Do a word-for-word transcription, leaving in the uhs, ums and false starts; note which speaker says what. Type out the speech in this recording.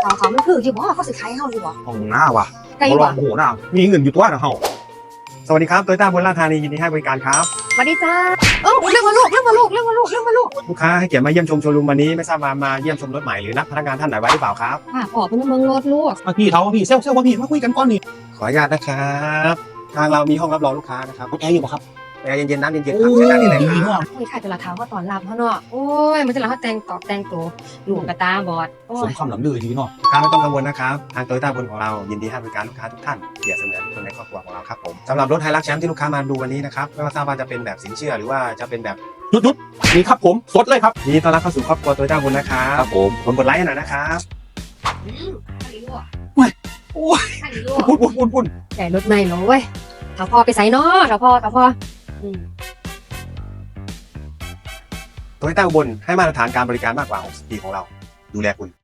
Speaker 1: เขาเขามันคืออยู่บ่เขาสิขายเฮาอยู่บ่
Speaker 2: ห้องหน้าว่ะ
Speaker 1: ไกล
Speaker 2: เขาล
Speaker 1: บ่
Speaker 2: องโอ้โหหน้ามีเงินอยู่ตัวนะเฮาสวัสดีครับโตโยต้าบนราชธานียินดีให้บริการครับ
Speaker 1: สวัสดีจ้าเอ้าเรื่องมาลูกเรื่องมาลูกเรื่องมาลูกเรื่องมาลูก
Speaker 2: ลูกค้าให้เกียรติมาเยี่ยมชมโชว์รูมวันนี้ไม่ทราบว่ามาเยี่ยมชมรถใหม่หรือนัดพนักงานท่านไหนไว้หรือเปล่าครับ
Speaker 1: ค่ะขอเป็นเมืองรถลูก
Speaker 3: มาพี่เขาพี่เซลเซลว่าพี่มาคุยกันก่อนนี่
Speaker 2: ขออนุญาตนะครับทางเรามีห้องรับรองลูกค้านะครับ
Speaker 3: แอร์อยู่ป่ะครับ
Speaker 2: แอร์เย็นๆน้ำเย็นๆครับเชิญนั่งนี่เลย
Speaker 3: ดี
Speaker 2: ครับ
Speaker 3: เนาะ
Speaker 1: โอ้ยค่ะแต่ละเท้าก็ตอนรับเขาเนาะโอ้ยมันจะละเขาแต่งตอบแต่งตัวลูกกระตาบอดโอ้
Speaker 3: ส
Speaker 1: ย
Speaker 3: มคำหลังลือดีเนาะ
Speaker 2: ลูกค้าไม่ต้องกังวลนะครับทางโตโยต้าบนของเรายินดีให้บริการลูกค้าทุกท่านเปรียบเสมือนคนในครอบครัวของเราครับผมสำหรับรถไฮรักแชมป์ที่ลูกค้ามาดูวันนี้นะครับไม่ว่าทราบว่าจะเป็นแบบสินเชื่อหรือว่าจะเป็นแบบ
Speaker 3: หยุดหยุดนี่ครับผมสดเลยครับ
Speaker 2: ยินดีต้อนรับเข้าสู่ครอบครัวโตโยต้าบนนะครับ
Speaker 3: ผม
Speaker 2: ผมกดไลค์ให้หน่อยนะครับ
Speaker 1: อืมข้าดีลูก
Speaker 3: โอ้ย
Speaker 1: ข้าดีลูก
Speaker 3: ปุ่นปุ่นปุ่นปุ่น
Speaker 1: แต่รถใหม่เนาะเว้ยถ้าพ่อไปใส่เนาะถ้าพ่อถ้าพ่ออืม
Speaker 2: โตโยต้าอุบลให้มาตรฐานการบริการมากกว่าหกสิบปีของเราดูแลคุณ